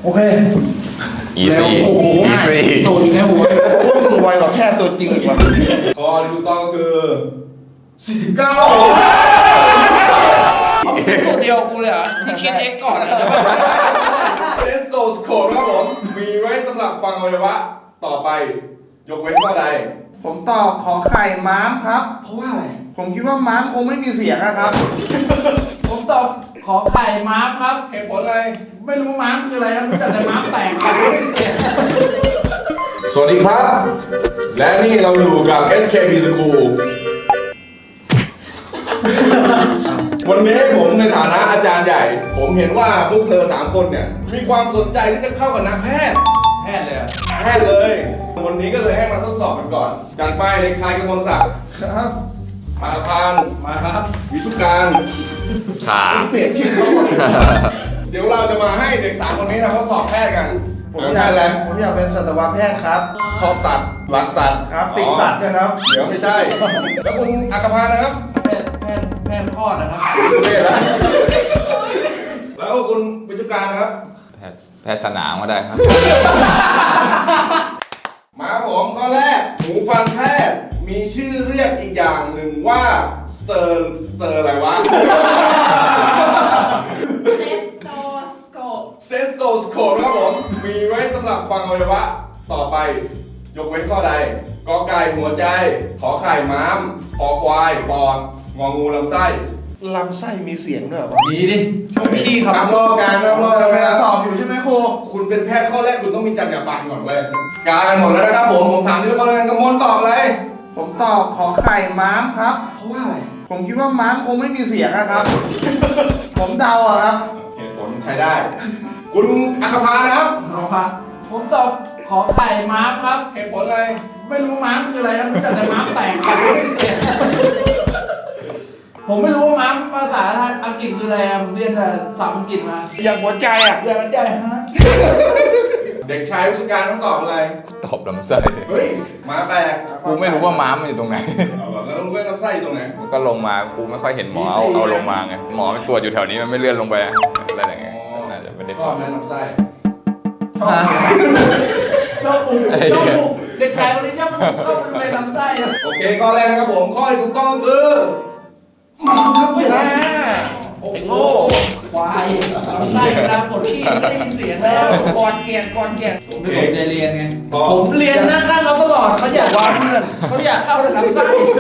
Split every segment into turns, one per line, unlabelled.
โอเค
อีซี่
อีซี่โซนอยู่ในหัวพวกมึงไวกว่าแพทย์ตัวจริงอีกว่ะ
ข้อที่ถูกต้องคือ49
สูตรเดียวกูเลยเหรอที่คิดเอ็กก่อนนะ
เทสโตสโคปครับผมมีไว้สำหรับฟังอวัยวะต่อไป ยกเว้นข้อใด
ผมตอบขอไข่ม้ามครับ
เพราะว่าอะไร
ผมคิดว่าม้ามคงไม่มีเสียงอะครับ
ผมตอบขอไข่ม้ามครับ
เหตุผลอะไร
ไม่รู้ม้ามคืออะไรนะรู้จักแต่ม้ามแตกครับไม่เสีย
สวัสดีครับ และนี่เราอยู่กับ SKP School วันนี้ผมในฐานะอาจารย์ใหญ่ ผมเห็นว่าพวกเธอ3คนเนี่ยมีความสนใจที่จะเข้ากับนักแพทย์
แพทย์เลยอะ
แพทย์เลย วันนี้ก็เลยให้มาทดสอบกันก่อนจัดไปเด็กชายกมลศักดิ์
ครับ
ปานพาน
มาครับ
วิชุการ
ค่ะ
เปลี่ยนชื่อเขาหมดเลย
เดี๋ยวเราจะมาให้เด็ก3คนนี้นะทดสอบแพทย์กัน
ผม
แพ
อยาก
ทย์แล้ว
ผมอยากเป็นสัตวแพทย์ครับ
ชอบสัตว์รักสัตว์
ครับติดสัตว์ด้วยครับ
เดี๋ยวไม่ใช่ แล้วคุณอัครพานะครับ
แพทย์คลอดนะครับ
เท่แล้วแล้วคุณวิชุการนะครับ
แพทย์สนามก็ได้ครับ
มาครับผมข้อแรกหูฟังแพทย์มีชื่อเรียกอีกอย่างหนึ่งว่าสเตอร์อะไรวะ
เซตโตสโคป
เซสโตสโคปครับผมมีไว้สำหรับฟังอวัยวะต่อไป ยกเว้นข้อใดกอไก่หัวใจ ขอไข่ม้ามขอควายปอดงองูลำไส้
ลำไส้มีเสียงด้วยเหรอวะ
ดีดิชมพี่ครับ
น้ำรอการน้ำรอกัน
กำ
ไหม
ลัง
ค
ส
รั
อ
บบ
อยู่ใช่ไหมครู
คุณเป็นแพทย์ข้อแรกคุณต้องมีจรรยาบรรณก่อนเลยกากันหมดแล้วนะครับผมถามที่ละคนกันกระมวลตอบเลย
ผมตอบขอไข่ม้ามครับ
เพราะว่าอะไร
ผมคิดว่าม้ามคงไม่มีเสียงอะครับ ผมเดาอะครับ
เหตุผลใช้ได้ คุณอัครพานะครับ
เอาครับผมตอบขอไข่ม้ามครับ
เหตุผลอะไร
ไม่รู้ม้ามคืออะไรนะรู้จักแต่ม้ามแตกครับไม่เสียผมไม่รู้ว่าม้ามภาษาอังกฤษคืออะไรอะผมเรียนแต่ศัพท์อังกฤษมา
อย่างหัวใจอะ
อย่างนั้นใจฮะ
เด็กชายวิชการต้องตอบอะไร
ตอบลำไส้
เฮ้ยมาแปลก
กูไม่รู้ว่าม้ามมันอยู่ตรงไหน
เอาเหรอแล้วรู้ไหมลำไส้อยู่ตรงไหน
มันก็ลงมากูไม่ค่อยเห็นหมอเอาลงมาไงหมอมันตรวจอยู่แถวนี้มันไม่เลื่อนลงไปอะไรอย่างเงี้ยน่าจะไม่ได้
ชอบไหมลำไส้
ชอบปูชอบปูเด็กชายคนนี้ชอบปูเข้าไปลำไส้อะ
โอเคข้อแรกนะครับผมข้อที่ถูกต้องคือมาครับเว้ย
อ่า
โอ้โห
ควายลำไส้เวลาปวดขี้ไม่ได้ยินเสียงแล้ว
ก่อนเกียงก่อนเกียง
โอ
ไม่
เค
สนใจเรียนไง
พอ
ผมเรียนนั่งข้างเขาตลอดเขาอยากว่าเพื่อนเขาอยากเข้าทางไส้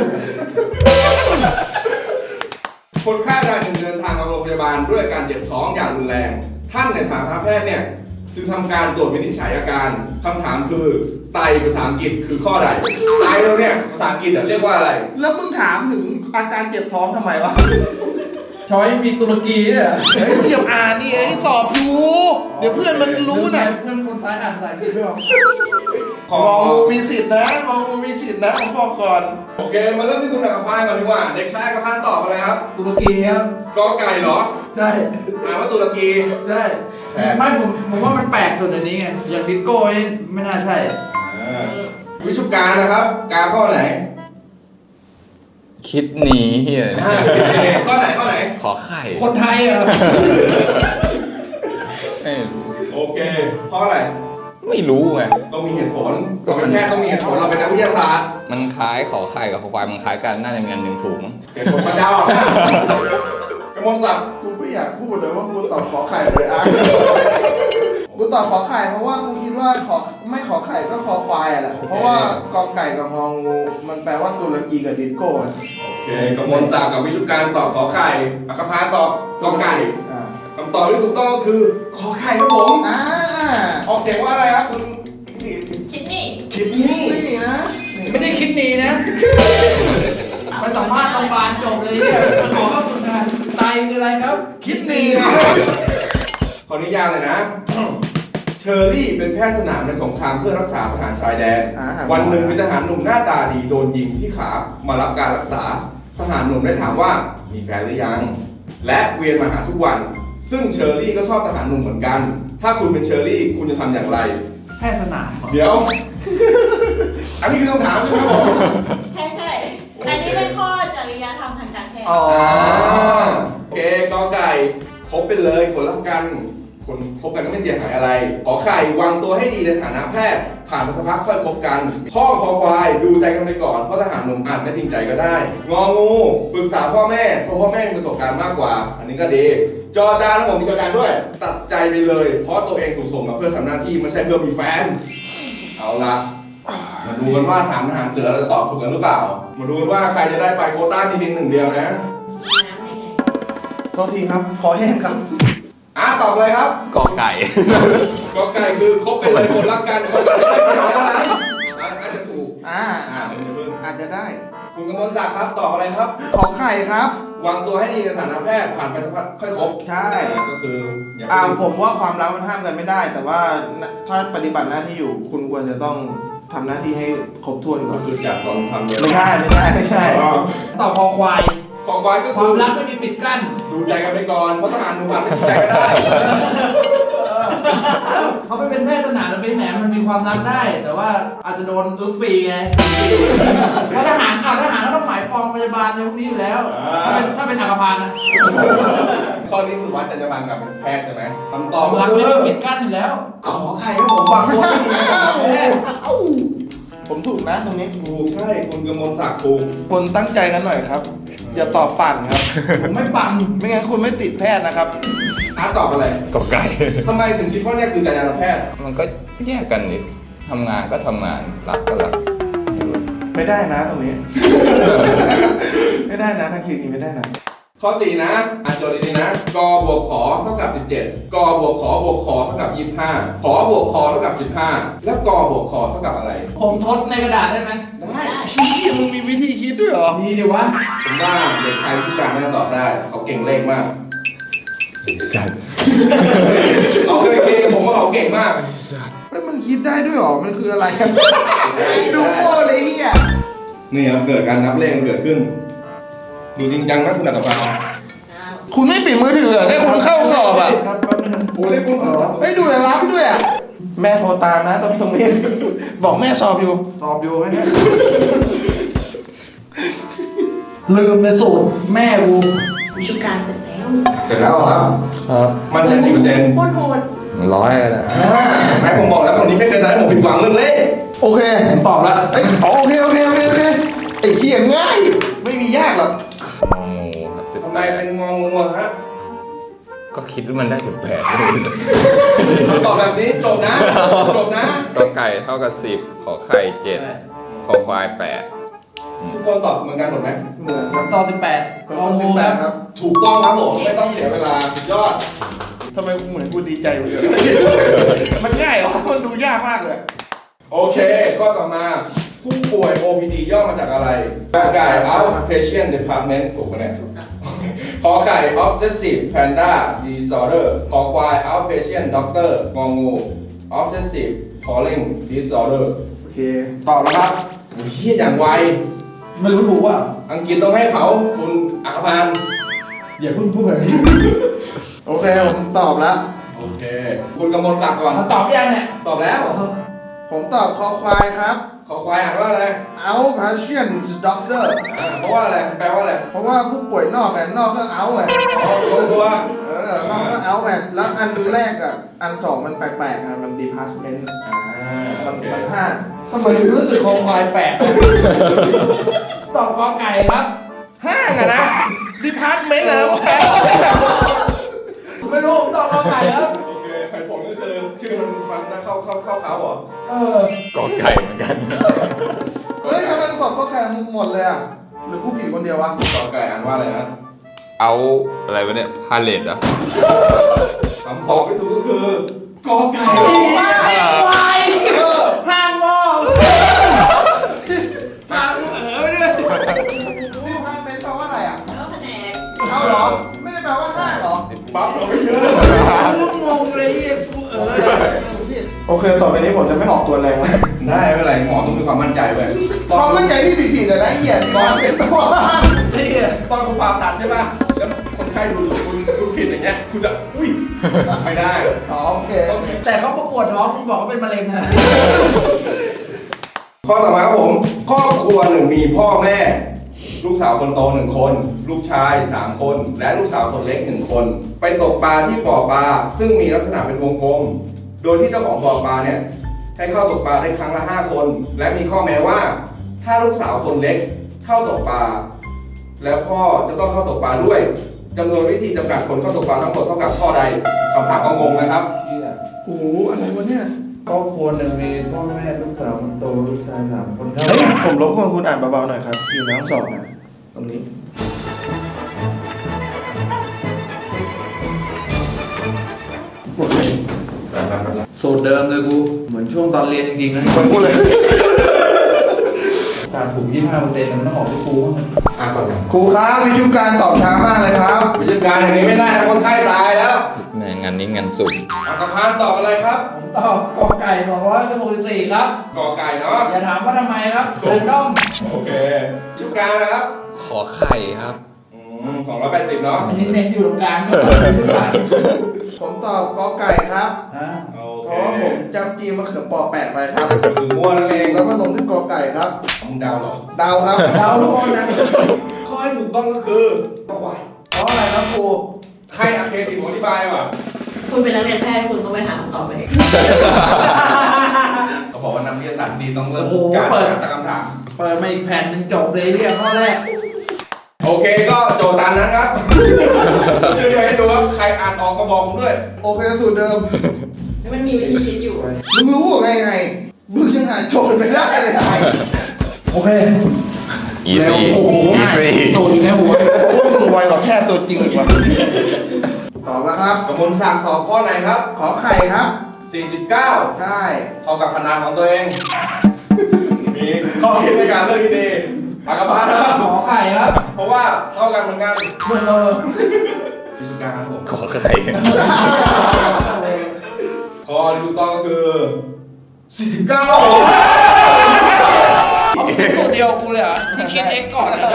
คนไข้รายหนึ่งเดินทางมาโรงพยาบาลด้วยอาการเจ็บท้องอย่างรุนแรง ท่านในฐานะแพทย์เนี่ยจึงทำการตรวจวินิจฉัยอาการคำถามคือไตภาษาอังกฤษคือข้อใดไตเราเนี่ยภาษาอังกฤษเรียกว่าอะไร
แล้วมึงถามถึงอาการเจ็บท้องทำไมวะ
ช้อยมีตุรกีเนี่ย
เฮ้ยมึงอย่าอ่านดิไอ้สอบอยู่ เดี๋ยวเพื่อนมันรู้นะ
เพื่อนคนซ้ายอ่านภาษาอังกฤษไม่ออก
ขอ
มองงูมีสิทธิ์นะมองงูมีสิทธิ์นะผมบอกก่อน
โอเคมาเริ่มที่คุณอัครพันธ์ก่อนดีกว่า เด็กชายอัครพันธ์ตอบอะไรครับ
ตุรกีครับ
กอไก่เหรอ
ใช่
อ่านว่าตุรกี
ใช่
แปลก
ไม่ผมว่ามันแปลกสุดในนี้ไงอย่างดิสโก้นี่ไม่น่าใช่
วิชุการนะครับ กาข้อไหน
คิดหนีเฮีย
ข้อไหนข้อไหน
ขอไข่
คนไทยอ่ะ
ไม่รู้
โอเคข้ออะไร
ไม่รู้ไง
ต้องมีเหตุผล
ก็
เรา
มั
เป็น นแพทย์ต้องมีเหตุผลเราเป็นนักวิทยาศาสตร์
มันคล้ายขอไข่กับขอควายมันคล้ายกันน่าจะมีอันหนึ่งถูกมั้ง
เหตุผลมันยาวอ่ะกระมวลศักดิ์
กูไม่อยากพูดเลยว่ากูตอบขอไข่เลยอ่ะ กูตอบขอไข่เพราะว่ากูคิดว่าไม่ขอไข่ก็คอควายอะแหละ เพราะว่ากอไก่กับงองูมันแปลว่าตุรกีกับดิสโก้อะ
โอเคกระมวลศักดิ์กับวิชุการตอบขอไข่อัครพันธ์ตอบกอไก่
อ่า
คำตอบที่ถูกต้องก็คือขอไข่ครับผม
อ่า
ออกเสียงว่าอะไรครับคุณ
คิดนี่
คิดนี่
นี่นะ
ไม่ได้คิดหนีนะไปสัมภาษณ์โรงพยาบาลจบเลยเนี่ยมาขอเข้าฝึกงานไตคืออะไรครับ
คิดดีนะ
ขออนุญาตเลยนะ เชอรี่เป็นแพทย์สนามในสงครามเพื่อรักษาทหารชายแดน วันหนึ่งมีทหารหนุ่มหน้าตาดีโดนยิงที่ขามารับการรักษา ทหารหนุ่มได้ถามว่ามีแฟนหรือยัง และเวียนมาหาทุกวัน ซึ่งเชอรี่ก็ชอบทหารหนุ่มเหมือนกัน ถ้าคุณเป็นเชอรี่คุณจะทำอย่างไร
แพทย์สนามเหรอ
เดี๋ยว อันนี้คือคำถามใช่ไหมครับผม
ใช่ใช่อันนี้เป็นข้อจริยธรรมทางการแพทย์
อ๋อ
โอเคกอไก่ครบไปเลยผลลัพธ์กันคนคบกันก็ไม่เสียหายอะไร ขอไข่วางตัวให้ดีในฐานะแพทย์ ผ่านไปสักพักค่อยคบกันข้อคอควายดูใจกันไปก่อนเพราะทหารหนุ่มอาจไม่จริงใจก็ได้ งองูปรึกษาพ่อแม่เพราะพ่อแม่มีประสบการณ์มากกว่า อันนี้ก็ดี จอจานผมมีจอจานด้วย ตัดใจไปเลย เพราะตัวเองถูกส่งมาเพื่อทำหน้าที่ไม่ใช่เพื่อมีแฟน เอาละมาดูกันว่าสามทหารเสือเราจะตอบถูกกันหรือเปล่า มาดูกันว่าใครจะได้ไปโควต้ามีเพียงหนึ่งเดียวนะ
น้ำยังไง
โทษทีครับขอแห้งครับ
ตอบเลยครับ
กอไก่
กอไก่คือคบเป็นเลยคนรักกันคนรักกันไม่น้อยแล้วนะน่าจะถูก คุณเพิ่ง
อาจจะได้
คุณกมลศักดิ์ครับตอบอะไรครับ
ขอไข่ครับ
วางตัวให้ดีในฐานะแพทย์ผ่านไปสักพักค่อยคบ
ใช่
ก็คืออย่าไป
ผมว่าความรักมันห้ามกันไม่ได้ แต่ว่าถ้าปฏิบัติหน้าที่อยู่ คุณควรจะต้องทำหน้าที่ให้ครบถ้วนก่
ก็
อน
คือจากตอนทำเนี่ย
ไม่ใช่
อ๋อ
ตอบคอควาย
ขอควายก็
ค
คื
วา
อ
มรักไม่มีปิดกั้น
ดูใจกันไปก่อนเพราะทหารหนุ่มอาจไม่ดูใจก็ได้
เขาไปเป็นแพทย์สนามแล้วเป็นแหนมันมีความรักได้ แต่ว่าอาจจะโดนอึฟฟรีไงเพราะทหารก็ต้องหมายปองพยาบาลในพวกนี้อยู่แล้ว ถ้าเป็นอักพานนะ
ข้อนี้คือวัดจรรยาบรรณกับเป็นแพทย์ใช่ไหมคำต
ค
อบ
วาม
ก็
รัก
คื
ไม่
อ
มีปิดกั้นอยู่แล้ว
ขอไข่ครับผมวางตัวให้ดีในฐานะแพทย์
ผมถูกนะตรงนี้
ถูกใช่คุณกมลศักดิ์ถูก
คนตั้งใจกันหน่อยครับ อย่าตอบปั่นครับ
ผมไม่ปัง
ไม่งั้นคุณไม่ติดแพทย์นะครับ
ตอบอะไร
กอไก่
ทำไมถึงคิดว่าเนี่ยคือจรรยาบรรณแพทย์
มันก็แยกกันดิทำงานก็ทำงาน รักก็รัก
ไม่ได้นะตรงนี้ ไม่ได้นะถ้าคิดอย่างนี้ไม่ได้นะ
ข้อ 4 นะโจทย์ดีๆนะกบวกขอเท่ากับ 17 กบวกขอบวกขอเท่ากับ 25 ขอบวกขอเท่ากับ 15 แล้วกบวกขอเท่ากับอะไร
ผมทดในกระดาษได้ไหม
ได้
ชี้มึงมีวิธีคิดด้วยเหรอ
ดีดิวะ
ผมว่าเด็กชายที่การน่าจะตอบได้ เขาเก่งเลขมาก
สัตว์
เขาเคยเก่งผมว่าเขาเก่งมาก
แล้วมึงคิดได้ด้วยเหรอ มันคืออะไรครับ ดูโง่เลยเนี่ย
นี่ครับเกิดการนับเลขมันเกิดขึ้น ดูจริงจังนะคุณอัตภา
คุณไม่ปิดมือถือเหรอได้คุณเข้าสอบอ่ะ
โอ้เลขคุณ
เฮ้ยดูอย่ารับด้วยอ่ะ แม่โทรตามนะตรงนี้ บอกแม่สอบอยู่
ตอบอยู่ไหมเนี่ยลืมในสูตรแม่กู
วิชาการเสร็จแล้ว
เสร็จแล้วครับ
ครับ
มันจะกี่เปอร์เซ็นต์
โคตรโหด
100ก็ได้
แม่ผมบอกแล้วคนนี้ไม่เคยทำให้ผมผิดหวังเรื่องเลข
โอเค
ผมตอบแล้ว
เอ้ยโอเคไอ้เหี้ยง่าย ไม่มียากหรอก
งองูครับ
ทำไมเป็นงองูอะฮะ
ก็คิดว่ามันได้18
ตอบแบบนี้จบนะ จบนะ
กอไก่เท่ากับ 10 ขอไข่7 ขอควาย8
ทุกคนตอบเหมือนกันหมดไหม
เหมือนครับ
ต่อ18
ผมต้อง18ครับ
ถูกต้องครับผม ไม่ต้องเสียเวลาสุดยอด
ทำไมเหมือนกูดีใจอยู่เลย มันง่ายเหรอมันดูยากมากเลย
โอเค ข้อต่อมา ผู้ป่วย OPD ย่อมาจากอะไรกอไก่ Outpatient Department ถูกไหมเนี่ยขอไข่ Obsessive Panda Disorder ขอควาย Outpatient Doctor งองู Obsessive Calling Disorder
โอเค ตอบแล้วครับ
โอ้ยเฮียอย่างไว
ไม่รู้ถูกว่า
อังกฤษต้องให้เขาคุณอัครพันธ์
อย่าเพิ่งพูดแบบนี้
โอเคผมตอบแล้ว
โอเค คุณกำมลศักดิ์ก่อน
มาตอบยังเนี่ย
ตอบแล้ว
ผมตอบคอควายครับ
ขอควายอ่านว่าอะไร
Outpatient Doctor
เพราะว่าอะไร แปลว่าอะไร
เพราะว่าผู้ป่วยนอกไงนอกก็เอาไง
อ๋อตรงตัวน
อกก็เอาไงแล้วอันแรกอ่ะ อันสองมันแปลกๆนะมัน department
โอเค
มันห้า
ทำไมถึงรู้สึกคอควายแปลกตอบกอไก่ครับ
ห้างอะนะ department นะแปล
ไม่รู้ผมตอบกอไก่ครับ
โอเคเหตุผลก็คือชื่อมันฟังแล้วเข้าเขาเหรอ
กอไก่เหมือนกัน
เฮ้ยทำไมตอบก็แค่หมดเลยอ่ะ หรือผู้ผิดคนเดียววะ
ต่อไก่อ่านว่าอะไรนะ
เอาอะไรวะเนี่ย พาเลตเหรอ
คำตอบที่ถูกก็คือกอไก่
ควายห้างงอ
หาลูกไปด้วย
department แปลว่าอะไรอ่ะ
แล้วแผนก
เอาเหรอ ไม่ได้แปลว่าห้างเหรอ
ปั๊บเราไปเยอะ
งงเลยกู
โอเค ต่อไปนี้ผมจะไม่ออกตัวแรงแล้ว
ได้ไม่เป็นไรหมอต้องมีความมั่นใจไว้
ความมั่นใจที่ผิดๆอะนะเหี้ยที่ความเป็นตัว
นี่ตอนคุณผ่าตัดใช่ป่ะ แล้วคนไข้ดูอยู่คุณผิดอย่างเงี้ย คุณจะ อุ้ย ไม่ได้
อ๋อโอเค
แต่เขาประกวดท้องบอกเขาเป็นมะเร็งนะ
ข้อต่อมาครับผม ครอบครัวหนึ่งมีพ่อแม่ลูกสาวคนโต1 คน ลูกชาย3 คน และลูกสาวคนเล็ก1 คน ไปตกปลาที่บ่อปลาซึ่งมีลักษณะเป็นวงกลม โดยที่เจ้าของบ่อปลาเนี่ยให้เข้าตกปลาได้ครั้งละ5 คน และมีข้อแม้ว่า ถ้าลูกสาวคนเล็กเข้าตกปลาแล้วพ่อจะต้องเข้าตกปลาด้วยจำนวนวิธีจำกัดคนเข้าตกปลาทั้งหมดเท่ากับข้อใดคำถามก็งงนะครับ
เชี่ย
โอ้โหอะไรวะเนี่ย
ครอบครัวหนึ่งมีพ่อแม่ลูกสาวคนโตลูกชาย3 คน
เฮ้ยผมรบกวนคุณอ่านเบาๆหน่อยครับ อยู่ในห้องสอบนะตรงนี้
สูตรเดิมเลยกู เหมือนช่วงตอนเรียนจริงๆนะ
คนพูดเลย
การถูก 25%มันต้องออกที่กูบ้างนะ
ต่อ
ครูครับวิทยุการตอบช้ามากเลยครับ
วิธีการอย่างนี้ไม่ได้นะคนไข้ตายแล้ว
แหม่งานนี้งานสุ่ม
อักพานตอบอะไรครับ
ผมตอบกอไก่264ครับ
กอไก่เนาะ
อย่าถามว่าทำไมครับเรนดอม
โอเคชุดกลางนะครับ
ขอไข่ครับ
280เนาะ
อันนี้เน้นอยู่ตรงกลาง
ผมตอบกอไก่ครับ
ฮะ
โอ
เพ
เค
ราะว่าผมจำจีมะเขือปอแปะไปครับ
คือมั่วนั่นเอง
แล้วก็ลงที่กอไก่ครับ
มึงเดาเหรอ
เดาครับ
เราทุกคนนะ
ข้อให้ถูกต้องก็คือควาย
เพราะอะไรครับครู
ใครอะเคติผมอธิบายว่ะ
คุณเป็นนักเรียนแพทย์คุณต้องไปหาคำตอบเอง
เขาบอกว่านักวิทยาศาสตร์ดีต้องเริ่ม
โอ้โห
การ
เปิด
ตั้งคำถาม
เปิดมาอีกแผ่นหนึ่งจบเลยเนี่ยข้อแรก
โอเคก็โจทย์ตามนั้นครับคือเดี๋ยวให้ดูว่าใครอ่านออกก็บอกผมด้วย
โอเคสูตรเดิม
แล้วมันมีวิธีคิดอยู่
มึงรู้ไงไง มึงยังอ่านโจทย์ไม่ได้เลยไง
โอเค
อีซี่
โอ้โห
อีซี่
สูตรอยู่ในหัว
โอ้ยมึงไวกว่าแค่ตัวจริงอีกว่ะตอบแล้วครับ
กมลศักดิ์ตอบข้อไหนครับ
ขอไข่ครับ
49
ใช่
เข้ากับพนันของตัวเอง มีข้อคิดในการเลือกที่ดีอักพานนะครับ
ขอไข่ครับ
เพราะว่าเท่ากันเหมือนกัน
เบอร์
วิธีการครับผม
ขอไข่
ข้อที่ถูกต้องก็คือ 49
สูตรเดียวกูเลยเหรอที่คิดเองก่อนนะ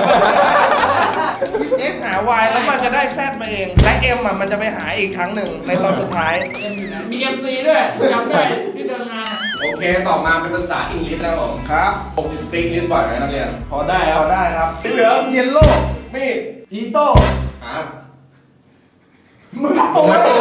X หา Y แล้วมันจะได้ Z มาเอง และ M อ่ะมันจะไปหาอีกครั้งหนึ่งในตอนสุดท้าย
มี MC ด้วยจำได้ที่เดินงานอะ
โอเค ต่อมาเป็นภาษาอังกฤษแล้วผม
ครับ
ผมจะสปีกลิ้นบ่อยไหมนักเรียน
พอได้ครับได้ครับ
สีเหลือง
เยลโล่
มีด
อีโต้
ครับ
มึงตัวเอง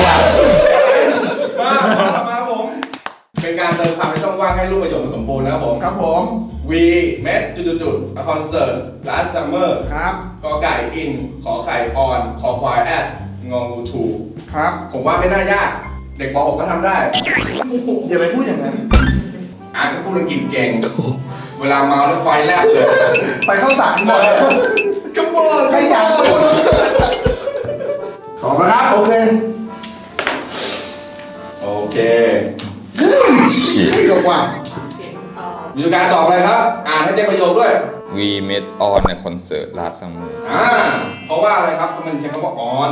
มาผม เป็นการเติมคำในช่องว่างให้รูปประโยคมันสมบูรณ์นะครับผม
ครับผม
We met จุดๆ a concert last summer
ครับ
กอไก่ in ขอไข่ on ขอควาย at งองู to
ครับ
ผมว่าไม่น่ายาก เด็กป .6 ก็ทำได้
อย่าไปพูดอย่างนั้น
อ่านก็พูดอังกฤษเก่ง เวลาเมาแล้วไฟแลบเลย
ไปเข้าสารหมด
ขโมย
ขยันขอบครับ โอเค
โอเค
ให้กับว่า
เปลี่ยนคำตอบ
มีการตอบอะไรครับ อ่านให้เต็มประโยคด้วย
We met on a concert last summer
เพราะว่าอะไรครับมันใช้คำว่า on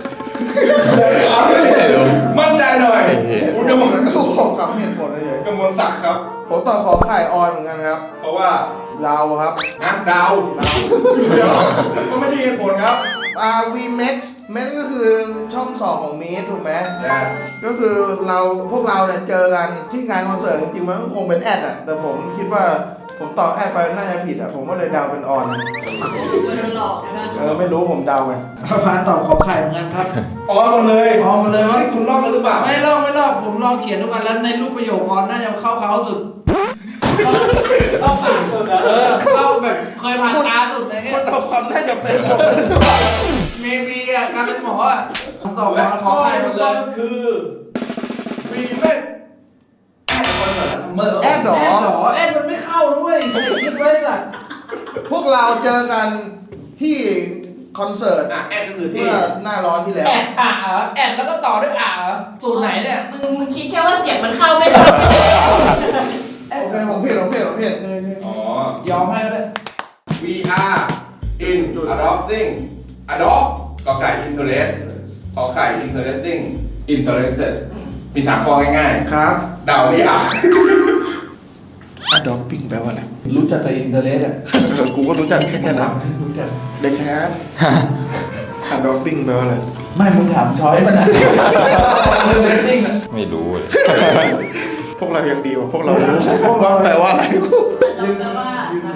มั่นใจหน่อยคุณก
ผม
มล
ก็ของคำเหตุผลเลย
กมลศักดิ์ครับ
ผมตอบขอไข่ออนเหมือนกันครับ
เพราะว่า
เราครับ
ดาวเดี๋ยวมันไม่ใช่เหตุผลครับ
we met ก็คือช่องสองของมีถูกไหม
yes
ก็คือพวกเราเนี่ยเจอกันที่งานคอนเสิร์ตจริงๆมันก็คงเป็นแอดอะแต่ผมคิดว่าผมตอบแอดไปน่าจะผิดอะผมก็เลยเดาเป็นออน
มันหลอกใช่ไหม
ไม่รู้ผมเดาไป
พานตอบขอไข่เหมือนกันครับ
ออนหมดเลย
ออนหมดเลยว่า
นี่คุณลอกกันหรือเปล่า
ไม่ลอกผมลองเขียนทุกอันแล้วในรูปประโยคออนน่าจะเข้าเขาสุดเข้าปากสุดเข้าแบบเคยผ่านตาสุดเลย
คนเอาความน่าจะเป็นหมด
เมบีอ่ะการเป็นหมออ่ะผมตอบ
และ
ว่าข
ข้
อ
อ
ไข่หม
ถู
ด
ก
เล
ต้อง
ย
ก็คือ we met at concert last summer
แอดหรอ
แอดมันไม่เข้าด้วยคิดไว้สัตว์
พวกเราเจอกันที่คอนเสิร์ต
แอดก็คือที่
เมื่อหน้าร้อนที่แล้ว
แอดอ่ะเหรอแอดแล้วก็ต่อด้วยอ่ะเหรอสูตรไหนเนี่ย
มึงคิดแค่ว่าเสียงมันเข้าไม่เข้า
โอเคผมผิด
อ๋อย
อมให้ก็ได้
we are in adopting adopt กอไก่ interest ขอไข่ interesting interested มี3ข้อง่าย
ครับ
ๆเดาไม่ยาก
adopting แปลว่าอะไร
รู้จักแต่อินเทอร์เน็ตอ่ะ
กูก็รู้จักแค่นั้น
รู้จัก
เด็กแคส adopting แปลว่าอะไร
ไม่มึงถามช้อยมันนะเรตติ้งอะ
ไม่รู้เลย
พวกเรายังดีกว่าพวกเรารู้ว่าแปลว่าอะไร
เราแปลว่านักเรียน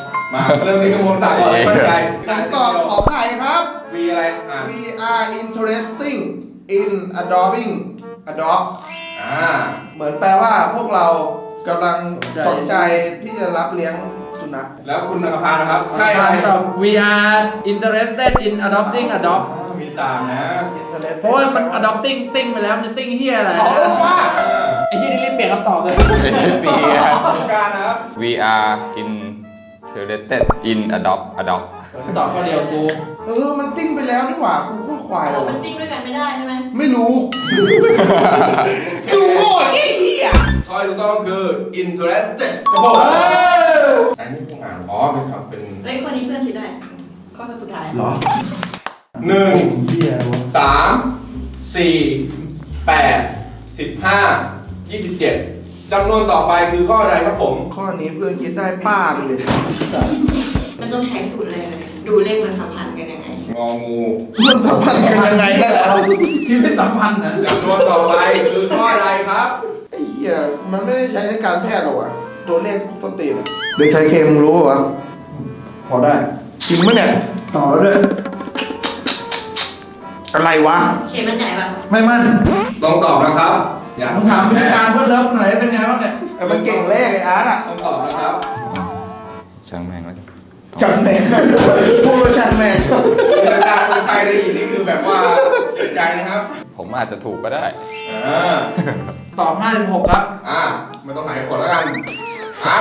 มาเริ่มที่กระบวนการก่อนเลยมั่นใจ
ผมตอบขอไข่ครับ
วีอะไรอ่ะ
We are interesting in adopting adopt เหมือนแปลว่าพวกเรากำลังสนใจที่จะรับเลี้ยงสุนัข
แล้วคุณอัครพานะครับ ใช่อะไร
ตอบ We are interested in adopting a dog
มีตามนะ
Interested
เพราะว่ามัน adopting ติ้งไปแล้วมันจะติ้งเฮียอะไร
อ๋อว่า
ไอ้ที่นี่รีบเปลี่ยนคำตอบเลย
ปีอะ
สงการนะครับ
We are interested in adopt
ตอบข้อเดียวกู
มันติ้งไปแล้วนี่หว่าคุณข้อควาย
เรา
เล
มัน
ย
ติ้งด้วยกันไม่ได้ใช่ไหม
ไม่รู้ ดูโง่ไอ้เหี้ย
ข้อที่ถูกต้องคือ interested ครับผมอันนี้ผมอ่านอ๋อเป็นคำเป็น
เฮ้ยคนนี้เพื่อนคิดได้ ข้อสุดท้าย
เหรอ
1
เหี้ยอะไรวะ
3 4 8 15 27จำนวนต่อไปคือข้อใดครับผม
ข้อนี้เพื่อนคิดได้ป้าไปเลย
มันต้องใช้สูตรอะไรเลยดูเลขมันสัมพันธ์กันยังไง
งองู
เรื่องสัมพันธ์กันยังไงนั่นแหละ
ชีวิตสัมพันธ์นะ
จำนวนต่อไปคือข้อใดครับ
ไอ้เหี้ยมันไม่ได้ใช้ในการแพทย์หรอกว่ะตัวเลขส้นตีนอะเด็กชายเคมรู้ป่ะพอได้จริงปะเนี่ย
ต่อแล้วด้วย
อะไรวะ
เคมันใหญ่ปะ
ไม่มั่น
ต้องตอบนะครับ อย่า
มึงถามวิธีการเพื่อนเลิฟหน่อยเป็นไงบ้างเนี่ย
มันเก่งเลขไอ้อาร์ตอ่ะ
ต้องตอบนะครับ
ช่างแม่งแล้ว
จังแมงพูดว่าจังแมง
เป็นอาจารย์คนไทยเลยนี่คือแบบว่าเสียใจนะครับ
ผมอาจจะถูกก็ได้
ตอบ56ครับ
ไม่ต้องหายผลแล้วกันอ่ะ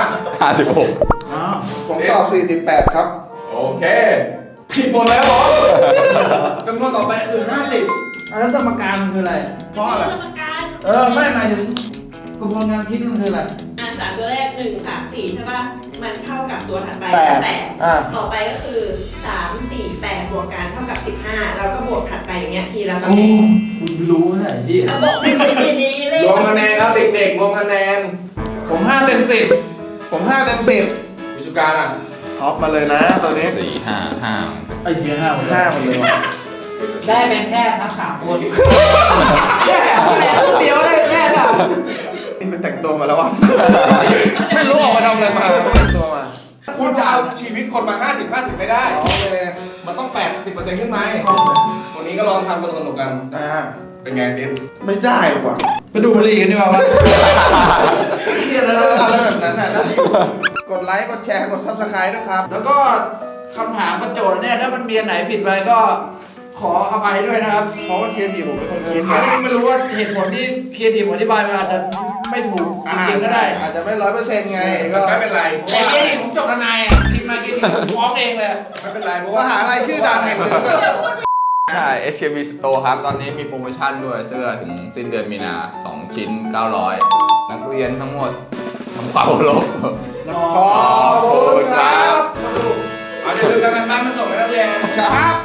56
อ๋อ
ผมตอบ 48 ครับ
โอเคผิดหมดแล้วเหรอจำนวนต่อไปคือ 50
อันนั้นสมการมันคืออะไร
เพราะอะไร
กรรมการ
ไม่หมายถึงกระบวนการคิดมันคืออะไร
สามตัวแรก1 3 4ใช่ปะมันเท่ากับตัวถัดไป
แปด
8ต่อไปก็คือ3 4 8บวกกันเท่ากับ15แล้วก็บวกถัดไปอย่างเงี้ยทีละตำแหน่ง
มึงรู้ไหนที่
เอาบอกเป็นดีๆเลย
รวมคะแนนครับเด็กๆรวมคะแนน
ผม5 เต็ม 10
ผม 5 เต็ม
วิชุการอ่ะ
10ท็อปมาเลยนะตัวนี้
4 5 5
ไอ้เหี้ย5หมด
5หมดเลยว่ะ
ได้เป็นแพทย์ทั้ง3คนแย่เดียวได้แพทย์อ่ะ
นี่ไปแต่งตัวมาแล้ววะ ไม่รู้ออกมาทำอะไรมาแต่งตัวมา
คุณจะเอาชีวิตคนมา 50-50 ไม่ได้
โอเค
มันต้อง 80%ขึ้นไหมวันนี้ก็ลองทำสนุกๆกัน เป็นไงติ๊ด
ไม่ได้ว่ะ
ไปดูบุหรี่กันดีกว่าเหี้ย
แล้
แล้ว ว
อะไรแบบนั้นน่ะได้อยู่กดไลค์ กดแชร์ กด subscribe ด้วยครับ
แล้วก็คำถามประโจทย์เนี่ยถ้ามันมีอันไหนผิดไปก็ขออภัยด้วยนะครับ
เพราะว่าเคียร์ทีผมเป็นคนคิด
ไม่รู้ว่าเหตุผลที่เพียรทีผมอธิบายมาอาจจะไม่ถูกจริงๆก็ได้
อาจจะไม่100%ไง ก็
ไม่เป็นไรเพราะ
แต่
ว่า
เพียรทีผมจบทนายอ่ะคิดมาคิดผมฟ้องเองเลย
ไม่เป็นไรเพราะ
ม
ว่า
หาลัยชื่อดังแห่งหนึ่งก็
ใช่ HKB Store ครับ ตอนนี้มีโปรโมชั่นด้วยเสื้อถึงสิ้นเดือนมีนา 2 ชิ้น 900 นักเรียนทั้งหมดทั้งเป่าลบ
ขอบคุณครับ
เอาจะลืมกันบ้านมาส่งให้นักเรียน
ครับ